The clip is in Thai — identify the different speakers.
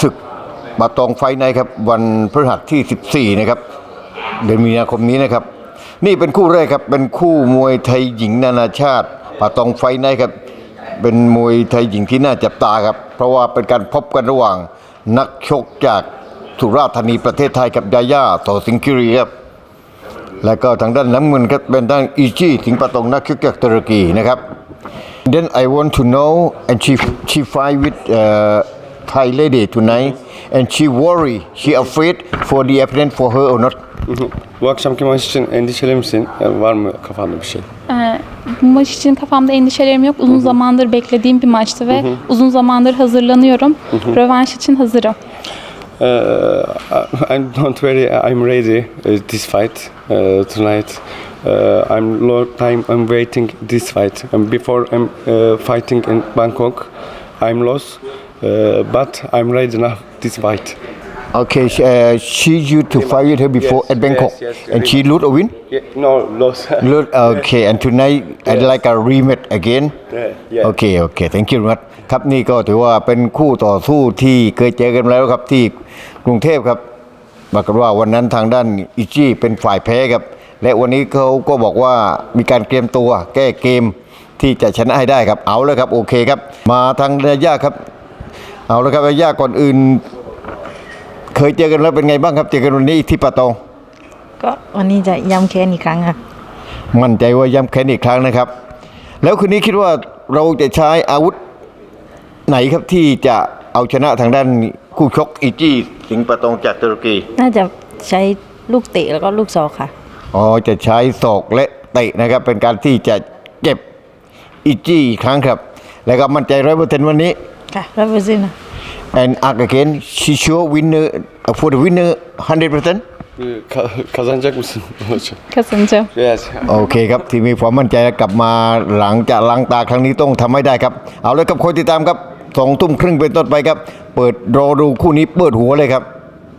Speaker 1: ศึกบาตองไฟท์ไนท์ครับวันพฤหัสที่ 14 นะครับเดือนมีนาคมนี้นะครับนี่เป็นคู่แรกครับเป็นคู่มวยไทยหญิงนานาชาติบาตองไฟท์ไนท์ครับเป็นมวยไทยหญิงที่น่าจับตาครับเพราะว่าเป็นการพบกันระหว่างนักชกจากสุราษฎร์ธานีประเทศไทยกับยาย่าต่อสิงห์คิรีครับแล้วก็ทางด้านน้ำเงินครับเป็นด้านอีจี้สิงห์ปะตงนักชกจากตุรกีนะครับ Then I want to know and she fight with Thai lady tonight and she afraid for the opponent for her or not.
Speaker 2: Bu akşamki maç için endişeli misin? Yani var mı kafanda bir şey?
Speaker 3: Bu maç için kafamda endişelerim yok. Uzun zamandır beklediğim bir maçtı ve uzun zamandır hazırlanıyorum. Rövanş için hazırım.
Speaker 2: I'm ready this fight tonight. I'm long time I'm waiting this fight. Before I'm fighting in Bangkok, I'm lost, but I'm ready now this fight.
Speaker 1: Okay, she used to fight with her before at Bangkok and she lose or win?
Speaker 2: No, lost.
Speaker 1: Lose. Okay, and tonight I'd like a rematch again.
Speaker 2: Yeah.
Speaker 1: Okay, thank you very much ครับนี่ก็ถือว่าเป็นคู่ต่อสู้ที่เคยเจอกันมาแล้วครับที่กรุงเทพครับบอกกันว่าวันนั้นทางด้านอิจิเป็นฝ่ายแพ้ครับและวันนี้เขาก็บอกว่ามีการเตรียมตัวแก้เกมที่จะชนะให้ได้ครับเอาเลยครับโอเคครับมาทางยาย่าครับเอาเลยครับยาย่าก่อนอื่นเคยเจอกันแล้วเป็นไงบ้างครับเจอกันวันนี้ที่ปะตอง
Speaker 4: ก็วันนี้จะย้ำแค้นอีกครั้งค่ะ
Speaker 1: มั่นใจว่าย้ำแค้นอีกครั้งนะครับแล้วคืนนี้คิดว่าเราจะใช้อาวุธไหนครับที่จะเอาชนะทางด้านคู่ชกอีจี้สิงห์ปะตองจากตุรกี
Speaker 4: น่าจะใช้ลูกเตะแล้วก็ลูกศอกค่ะ
Speaker 1: อ๋อจะใช้ศอกและเตะนะครับเป็นการที่จะเก็บอีจี้อีกครั้งครับแล้วก็มั่นใจ100%วันนี้
Speaker 4: ค่ะ100%นะ
Speaker 1: and again she sure winner for the winner 100%
Speaker 2: Kazanacak mısın?
Speaker 3: Kazanacağım.
Speaker 2: Yes.
Speaker 1: โอเคครับที่มีความมั่นใจกลับมาหลังจากล้างตาครั้งนี้ต้องทำให้ได้ครับเอาเลยครับคอยติดตามครับ2 ทุ่มครึ่งเป็นต้นไปครับเปิดรอดูคู่นี้เปิดหัวเลยครับ